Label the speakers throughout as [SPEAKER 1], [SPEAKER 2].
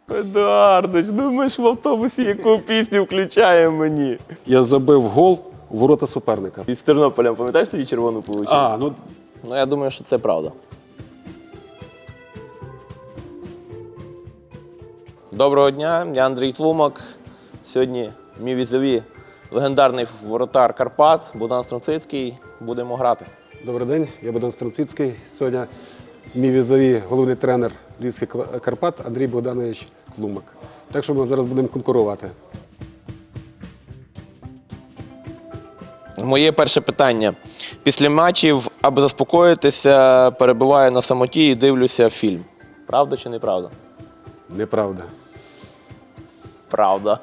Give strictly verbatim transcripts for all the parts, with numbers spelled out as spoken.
[SPEAKER 1] Едуардович, ну ми ж в автобусі яку пісню включаємо мені.
[SPEAKER 2] Я забив гол у ворота суперника.
[SPEAKER 1] Із Тернополем, пам'ятаєш, тобі червону получив?
[SPEAKER 2] А, ну
[SPEAKER 1] Ну, я думаю, що це правда. Доброго дня, я Андрій Тлумак. Сьогодні мій візові легендарний воротар Карпат, Богдан Стронцицький. Будемо грати.
[SPEAKER 2] добрий день, я Богдан Стронцицький. Сьогодні мій візові головний тренер Львівських Карпат Андрій Богданович Тлумак. Так що ми зараз будемо конкурувати.
[SPEAKER 1] Моє перше питання. Після матчів, аби заспокоїтися, перебуваю на самоті і дивлюся фільм. Правда чи неправда?
[SPEAKER 2] Неправда.
[SPEAKER 1] Правда.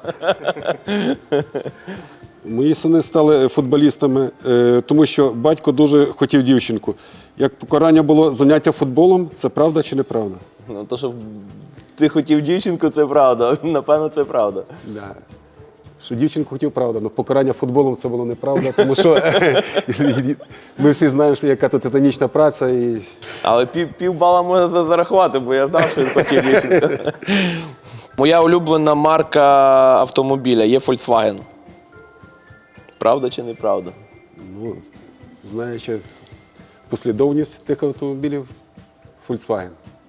[SPEAKER 2] Мої сини стали футболістами, е, тому що батько дуже хотів дівчинку. Як покарання було заняття футболом, це правда чи неправда?
[SPEAKER 1] Ну, то, що ти хотів дівчинку, це правда. Напевно, це правда.
[SPEAKER 2] Да. Що дівчинку хотів, правда, але покарання футболом це було неправда, тому що ми всі знаємо, що яка тут титанічна праця. І...
[SPEAKER 1] Але пів, пів бала можна зарахувати, бо я знав, що він хотів дівчинку. Моя улюблена марка автомобіля є Volkswagen. Правда чи неправда?
[SPEAKER 2] Ну, знаючи послідовність тих автомобілів, Volkswagen.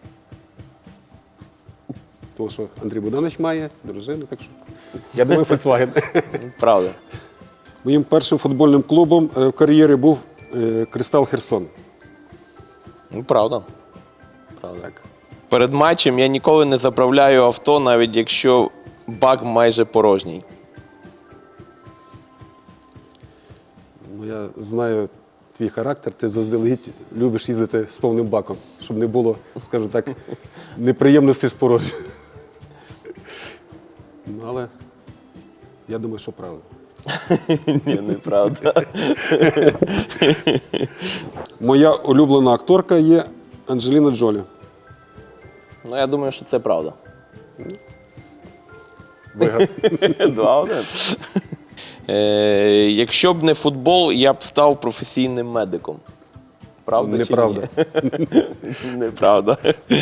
[SPEAKER 2] Тому що Андрій Богданович має дружину, так що я думаю, Volkswagen.
[SPEAKER 1] Правда.
[SPEAKER 2] Моїм першим футбольним клубом в кар'єрі був Кристал Херсон.
[SPEAKER 1] Ну, правда. Правда. Так. Перед матчем я ніколи не заправляю авто, навіть якщо бак майже порожній.
[SPEAKER 2] Ну, я знаю твій характер, ти заздалегідь любиш їздити з повним баком, щоб не було, скажімо так, неприємностей з порожнім. Ну, але я думаю, що правда.
[SPEAKER 1] Ні, неправда.
[SPEAKER 2] Моя улюблена акторка є Анджеліна Джолі.
[SPEAKER 1] Ну, я думаю, що це правда.
[SPEAKER 2] Виграв.
[SPEAKER 1] Два-один. Е, якщо б не футбол, я б став професійним медиком. Правда
[SPEAKER 2] Неправда.
[SPEAKER 1] чи ні? Неправда.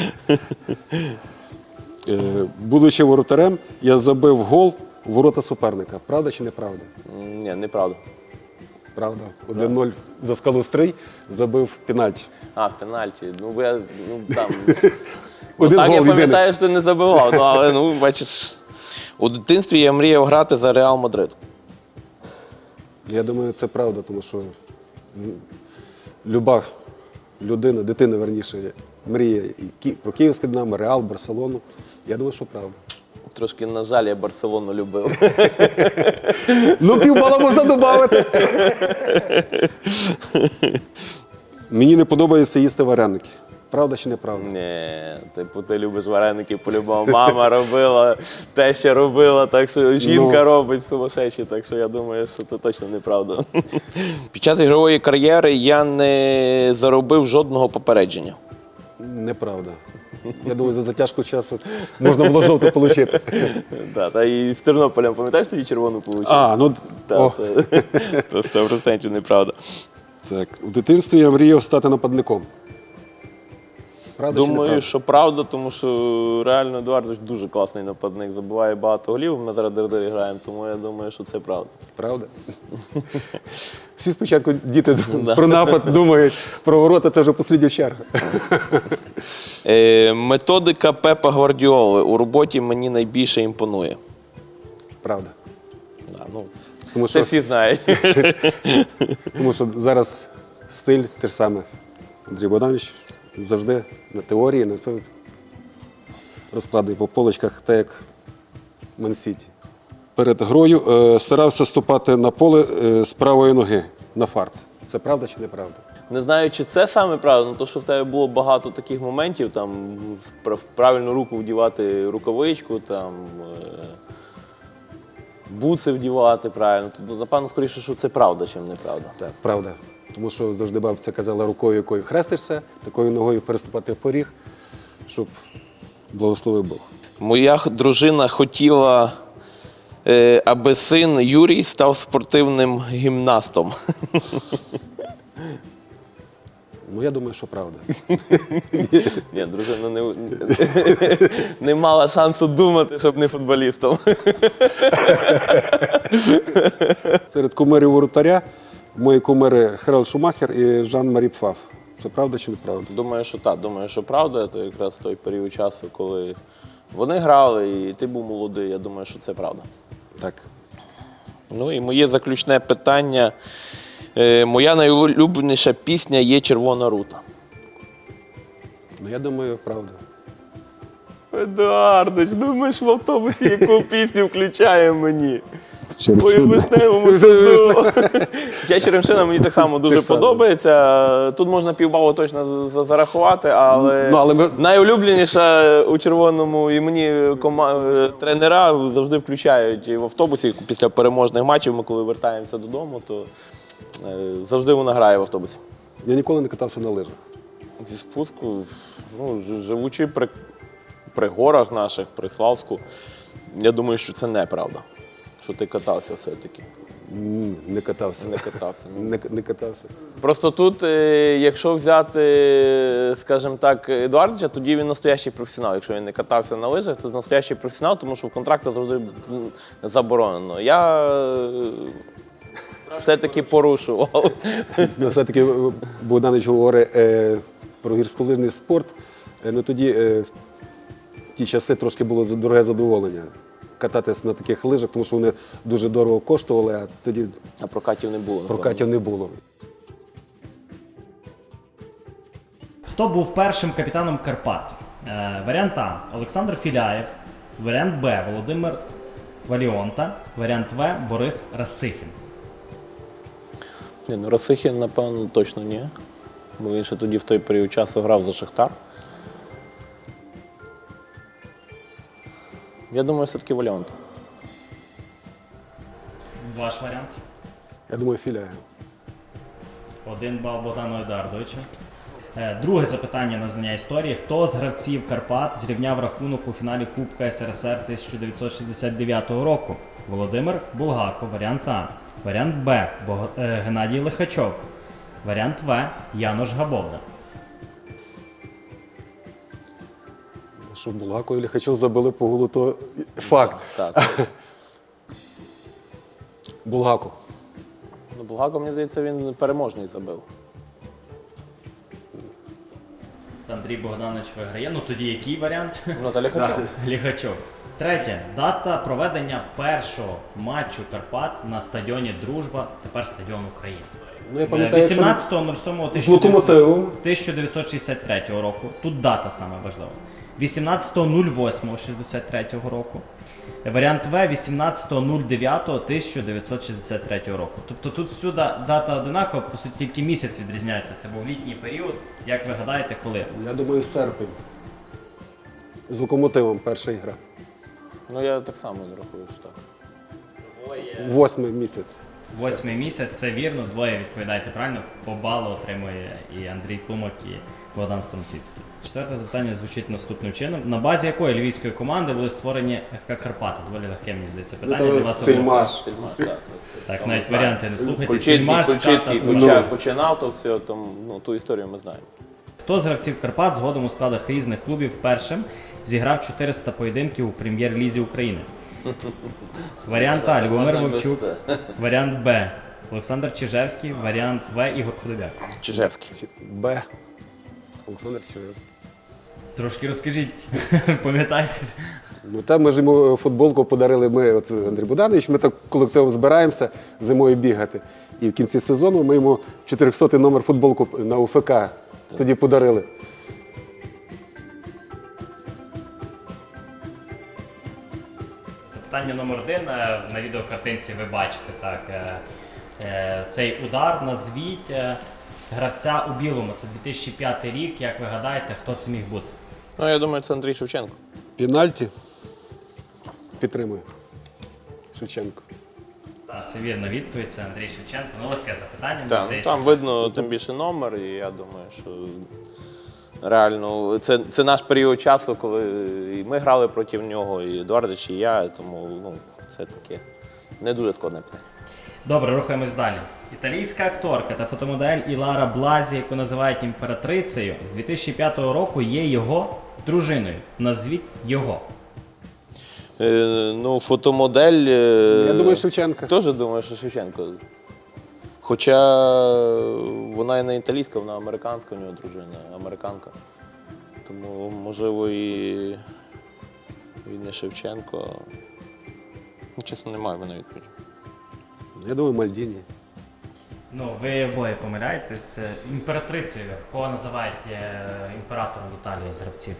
[SPEAKER 2] Е, Будучи воротарем, я забив гол у ворота суперника. Правда чи неправда?
[SPEAKER 1] Ні, неправда.
[SPEAKER 2] Правда. один нуль за Скалострий забив пенальті.
[SPEAKER 1] А, пенальті. Ну, бо я, ну, там...
[SPEAKER 2] Один
[SPEAKER 1] так
[SPEAKER 2] гол
[SPEAKER 1] я
[SPEAKER 2] єдиний.
[SPEAKER 1] пам'ятаю, що ти не забивав, ну, але, ну, бачиш, у дитинстві я мріяв грати за Реал Мадрид.
[SPEAKER 2] Я думаю, це правда, тому що з- люба людина, дитина, верніше, мріє і Ки- про Київське Динамо, Реал, Барселону. Я думаю, що правда.
[SPEAKER 1] Трошки, на жаль, я Барселону любив.
[SPEAKER 2] Ну, півбала можна додати. Мені не подобається їсти вареники. Правда чи неправда?
[SPEAKER 1] Ні, типу, ти любиш вареники, по-любому. Мама робила, теща робила, так що жінка
[SPEAKER 2] Ну.
[SPEAKER 1] робить сумасшедші, так що я думаю, що це точно неправда. Під час ігрової кар'єри я не заробив жодного попередження.
[SPEAKER 2] Неправда. Я думаю, за затяжку часу можна було жовто отримати.
[SPEAKER 1] Да, та і з Тернополем, пам'ятаєш, тобі червону получив?
[SPEAKER 2] А, ну,
[SPEAKER 1] Та,
[SPEAKER 2] о,
[SPEAKER 1] то, то сто відсотків неправда.
[SPEAKER 2] так. В дитинстві я мріяв стати нападником. Правда чи
[SPEAKER 1] Думаю,
[SPEAKER 2] неправда?
[SPEAKER 1] що правда, тому що реально Едуардович дуже класний нападник, забиває багато голів, ми зараз дердері граємо, тому я думаю, що це правда.
[SPEAKER 2] Правда? Всі спочатку діти
[SPEAKER 1] Да.
[SPEAKER 2] про напад думають, про ворота це вже послідня черга.
[SPEAKER 1] Е, методика Пепа Гвардіоли у роботі мені найбільше імпонує.
[SPEAKER 2] Правда.
[SPEAKER 1] Да, ну,
[SPEAKER 2] Тому
[SPEAKER 1] це
[SPEAKER 2] що,
[SPEAKER 1] всі знають.
[SPEAKER 2] тому що зараз стиль те ж саме. Андрій Богданович завжди на теорії, на все розкладує по полочках, так як Ман-Сіті. Перед грою е, старався ступати на поле е, з правої ноги на фарт. Це правда чи неправда?
[SPEAKER 1] Не знаю, чи це саме правда, але то, що в тебе було багато таких моментів, там в пр- в правильну руку вдівати рукавичку, там е, буци вдівати правильно. То, напевно, скоріше, що це правда, чим неправда.
[SPEAKER 2] Так, правда. Тому що завжди бабця казала, рукою, якою хрестишся, такою ногою переступати поріг, щоб благословив Бог.
[SPEAKER 1] Моя х- дружина хотіла, е, аби син Юрій став спортивним гімнастом.
[SPEAKER 2] Ну, я думаю, що правда.
[SPEAKER 1] Ні, дружина не, не мала шансу думати, щоб не футболістом.
[SPEAKER 2] Серед кумирів воротаря мої кумири Харальд Шумахер і Жан-Марі Пфаф. Це правда чи неправда?
[SPEAKER 1] Думаю, що так. Думаю, що правда. Це якраз той період часу, коли вони грали, і ти був молодий. Я думаю, що це правда.
[SPEAKER 2] Так.
[SPEAKER 1] Ну і моє заключне питання. Е, моя найулюбленіша пісня є «Червона рута».
[SPEAKER 2] Ну, я думаю, правда.
[SPEAKER 1] Едуардович, ну ми ж в автобусі яку пісню включаємо мені.
[SPEAKER 2] Через
[SPEAKER 1] Ой,
[SPEAKER 2] що?
[SPEAKER 1] в вишневому саду. Ця черемшина мені так само дуже
[SPEAKER 2] Те ж саме.
[SPEAKER 1] подобається. Тут можна півбалу точно за- зарахувати, але,
[SPEAKER 2] Ну, але ми-
[SPEAKER 1] найулюбленіша у червоному і мені кома- тренера завжди включають і в автобусі після переможних матчів. Ми коли вертаємося додому, то е, завжди вона грає в автобусі.
[SPEAKER 2] Я ніколи не катався на лижах.
[SPEAKER 1] Зі спуску, ну, ж- живучи при, при горах наших, при Славську, я думаю, що це неправда. Що ти катався все-таки.
[SPEAKER 2] М, Не катався.
[SPEAKER 1] Не катався. ну.
[SPEAKER 2] Не, не катався.
[SPEAKER 1] Просто тут, е, якщо взяти, скажімо так, Едуардовича, тоді він настоящий професіонал. Якщо він не катався на лижах, це настоящий професіонал, тому що в контрактах завжди м, заборонено. Я е, все-таки порушував.
[SPEAKER 2] Ну, все-таки е, Богданович говорить е, про гірськолижний спорт. Е, ну, тоді е, в ті часи трошки було за- дороге задоволення кататись на таких лижах, тому що вони дуже дорого коштували, а тоді
[SPEAKER 1] А прокатів не було. напевно.
[SPEAKER 2] прокатів не було.
[SPEAKER 3] Хто був першим капітаном Карпат? Е, варіант А. Олександр Філяєв. Варіант Б. Володимир Валіонта. Варіант В. Борис Расихін.
[SPEAKER 1] Ні, ну Расихін, напевно, точно ні. Бо він ще тоді в той період часу грав за Шахтар. Я думаю, все-таки Валіант.
[SPEAKER 3] Ваш варіант.
[SPEAKER 2] Я думаю, Філяєв.
[SPEAKER 3] Один бал Богдану Едуардовичу. Е, Друге запитання на знання історії. Хто з гравців Карпат зрівняв рахунок у фіналі Кубка СРСР тисяча дев'ятсот шістдесят дев'ятого року? Володимир Булгако. Варіант А. Варіант Б. Бог... е, Геннадій Лихачов. Варіант В. Янош Габовда.
[SPEAKER 2] Що Булгако і Ліхачов забили по голу, то факт.
[SPEAKER 1] Так.
[SPEAKER 2] Булгако.
[SPEAKER 1] Ну, Булгако, мені здається, він переможний забив.
[SPEAKER 3] Андрій Богданович виграє. Ну тоді який варіант?
[SPEAKER 1] Наталя Хачов.
[SPEAKER 3] Лігачов. Третє. Дата проведення першого матчу Карпат на стадіоні Дружба, тепер стадіон України.
[SPEAKER 2] Ну, я пам'ятаю, що
[SPEAKER 3] вісімнадцятого сьомого
[SPEAKER 2] з Локомотивом.
[SPEAKER 3] тисяча дев'ятсот шістдесят третього року. Тут дата саме важлива. вісімнадцятого восьмого шістдесят третього року. Варіант В вісімнадцятого дев'ятого тисяча дев'ятсот шістдесят третього року. Тобто тут сюди дата одинакова, по суті, тільки місяць відрізняється. Це був літній період. Як ви гадаєте, коли?
[SPEAKER 2] Я думаю, серпень. З Локомотивом перша ігра.
[SPEAKER 1] Ну, я так само не рахую, що так.
[SPEAKER 2] Восьмий місяць.
[SPEAKER 3] Восьмий місяць, це вірно, двоє відповідаєте правильно. По балу отримує і Андрій Клумак, і Богдан Стромціцький. Четверте запитання звучить наступним чином. На базі якої львівської команди були створені еф ка Карпати? Доволі легке, мені здається, питання
[SPEAKER 2] Ну,
[SPEAKER 3] для
[SPEAKER 2] то
[SPEAKER 3] вас.
[SPEAKER 2] Сельмаш.
[SPEAKER 3] обох.
[SPEAKER 1] Сільмаш, так.
[SPEAKER 3] Так, навіть варіанти не слухайте.
[SPEAKER 1] Кульчицький,
[SPEAKER 3] Сільмаш,
[SPEAKER 1] Кульчицький
[SPEAKER 3] Ската,
[SPEAKER 1] почав-
[SPEAKER 3] Смачак.
[SPEAKER 1] починав то все, там, ну, ту історію ми знаємо.
[SPEAKER 3] Хто з гравців Карпат згодом у складах різних клубів першим зіграв чотириста поєдинків у прем'єр-лізі України? Варіант А. Любомир
[SPEAKER 1] Можна
[SPEAKER 3] Вовчук.
[SPEAKER 1] без-
[SPEAKER 3] Варіант Б. Олександр Чижевський. Варіант В. Ігор Худобяк.
[SPEAKER 1] Чижевський.
[SPEAKER 2] Б. Олександр Чижевський.
[SPEAKER 3] Трошки розкажіть, пам'ятаєте?
[SPEAKER 2] Ну, там ми ж йому футболку подарили ми, от Андрій Богданович, ми так колективом збираємося зимою бігати. І в кінці сезону ми йому чотирьохсотий номер футболку на У Ф К тоді подарили.
[SPEAKER 3] Запитання номер один. Е, На відеокартинці ви бачите так. е, е, Цей удар. Назвіть е, гравця у білому. Це дві тисячі п'ятий рік. Як ви гадаєте, хто це міг бути?
[SPEAKER 1] Ну, я думаю, це Андрій Шевченко.
[SPEAKER 2] Пенальті. Підтримую. Шевченко.
[SPEAKER 3] Так, це вірна відповідь. Це Андрій Шевченко. Ну, легке запитання, мені
[SPEAKER 1] Так, ну,
[SPEAKER 3] здається.
[SPEAKER 1] там видно тим більше номер, і я думаю, що реально це, це наш період часу, коли і ми грали проти нього, і Едуардович, і я, тому ну, це таке не дуже складне питання.
[SPEAKER 3] Добре, рухаємось далі. Італійська акторка та фотомодель Ілара Блазі, яку називають імператрицею, з дві тисячі п'ятого року є його дружиною. Назвіть його.
[SPEAKER 1] Е, ну, фотомодель. е,
[SPEAKER 2] Я думаю, Шевченка.
[SPEAKER 1] Теж думаю, що Шевченко. Хоча вона і не італійська, вона американська, у нього дружина, американка. Тому, можливо, і, і не Шевченко. Ну, чесно, немає в мене відповіді.
[SPEAKER 2] Я думаю, Мальдіні.
[SPEAKER 3] Ну, ви обоє помиляєтесь. Е, Імператрицею, кого називають е, імператором Італії з гравців?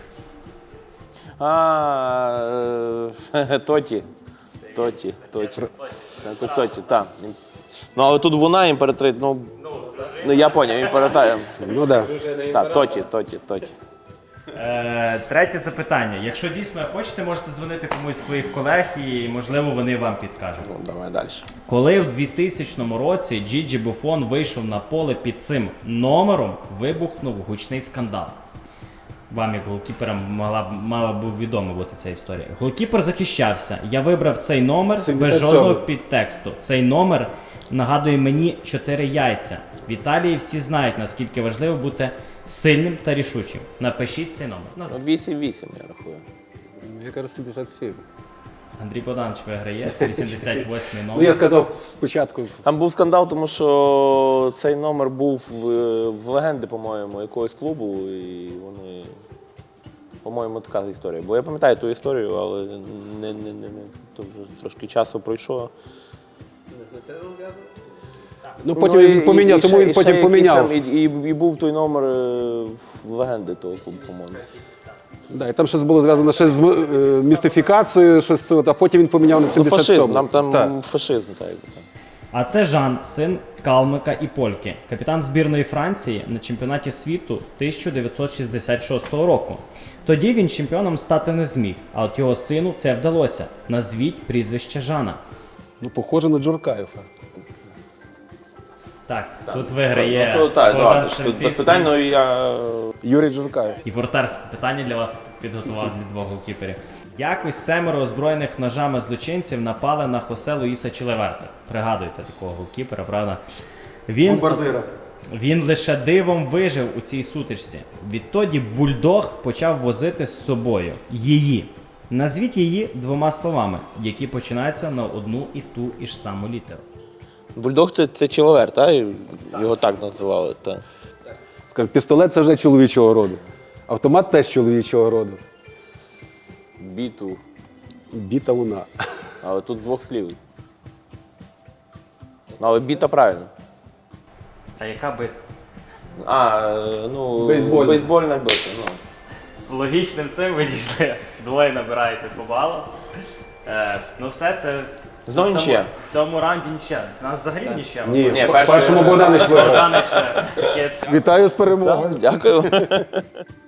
[SPEAKER 1] А, е, Тоті. Тоті. Тоті. Так, Тоті, так. Ну, але тут вона імператриця, ну, ну я поняв, імператриця.
[SPEAKER 2] Ну так. Да.
[SPEAKER 1] Так, Тоті, Тоті, Тоті.
[SPEAKER 3] Е, третє запитання. Якщо дійсно хочете, можете дзвонити комусь з своїх колег і, можливо, вони вам підкажуть.
[SPEAKER 1] Ну, давай далі.
[SPEAKER 3] Коли в двохтисячному році Джіджі Буфон вийшов на поле під цим номером, вибухнув гучний скандал. Вам, як голкіперам, могла, б- мала б відома бути ця історія. Голкіпер захищався. Я вибрав цей номер без
[SPEAKER 2] сімдесят сьомий.
[SPEAKER 3] жодного підтексту. Цей номер нагадує мені чотири яйця. В Італії всі знають, наскільки важливо бути сильним та рішучим. Напишіть цей номер.
[SPEAKER 1] Ну,
[SPEAKER 3] Назвіть.
[SPEAKER 1] вісім-вісім, я рахую.
[SPEAKER 2] Я кажу, сімдесят сім.
[SPEAKER 3] Андрій Богданович виграє. Це вісімдесят восьмий
[SPEAKER 2] Ну,
[SPEAKER 3] номер.
[SPEAKER 2] я сказав спочатку.
[SPEAKER 1] Там був скандал, тому що цей номер був в, в легенди, по-моєму, якогось клубу, і вони, по-моєму, така історія. Бо я пам'ятаю ту історію, але не, не, не, не. То вже трошки часу пройшло.
[SPEAKER 2] Ну, потім
[SPEAKER 1] Ну, і-
[SPEAKER 2] він поміняв,
[SPEAKER 1] і
[SPEAKER 2] тому
[SPEAKER 1] ще-
[SPEAKER 2] він
[SPEAKER 1] і
[SPEAKER 2] потім
[SPEAKER 1] ще
[SPEAKER 2] поміняв.
[SPEAKER 1] якийсь там, і, і, і був той номер е, в легенди того клубу, по-моєму.
[SPEAKER 2] Да, і там щось було зв'язано ще з м- е, містифікацією, щось це, от, а потім він поміняв на
[SPEAKER 1] Ну,
[SPEAKER 2] сімдесят
[SPEAKER 1] фашизм,
[SPEAKER 2] сьомий.
[SPEAKER 1] нам там
[SPEAKER 2] Так.
[SPEAKER 1] фашизм, так. якби там.
[SPEAKER 3] А це Жан, син Калмика і Польки, капітан збірної Франції на чемпіонаті світу тисяча дев'ятсот шістдесят шостого року. Тоді він чемпіоном стати не зміг, а от його сину це вдалося. Назвіть прізвище Жана.
[SPEAKER 2] Ну, похоже на Джуркаєва.
[SPEAKER 3] Так, тут виграє
[SPEAKER 1] Ну, то, так,
[SPEAKER 3] Богдан
[SPEAKER 1] ладно, тут
[SPEAKER 3] Шевцівський.
[SPEAKER 1] без питань, ну, я...
[SPEAKER 2] Юрій Джуркаєв.
[SPEAKER 3] І воротарське питання для вас підготував для двох голкіперів. Якось семеро озброєних ножами злочинців напали на Хосе Луїса Чилеверта. Пригадуєте такого голкіпера, правда? Він,
[SPEAKER 2] Бомбардира.
[SPEAKER 3] він лише дивом вижив у цій сутичці. Відтоді бульдог почав возити з собою її. Назвіть її двома словами, які починаються на одну і ту і ж саму літеру.
[SPEAKER 1] Бульдог це, це чоловер, так? Його так називали. Так.
[SPEAKER 2] Скажімо, пістолет це вже чоловічого роду. Автомат теж чоловічого роду.
[SPEAKER 1] Біту.
[SPEAKER 2] Біта луна.
[SPEAKER 1] Але тут з двох слів. Ну, але біта правильно.
[SPEAKER 3] Та яка битва?
[SPEAKER 1] А, е, ну,
[SPEAKER 2] Бейсбольна.
[SPEAKER 1] бейсбольна бита. Ну.
[SPEAKER 3] Логічним цим ви дійшли. Двоє набираєте по балу. Е, ну все, це
[SPEAKER 1] Знову
[SPEAKER 3] в цьому,
[SPEAKER 1] нічия.
[SPEAKER 3] в цьому раунді нічия. У нас взагалі нічия.
[SPEAKER 2] Ні,
[SPEAKER 1] Ні,
[SPEAKER 2] в
[SPEAKER 1] перший-
[SPEAKER 2] першому Богданич виграв.
[SPEAKER 3] Богданич, е, таке
[SPEAKER 2] Вітаю з перемогою.
[SPEAKER 1] Дякую.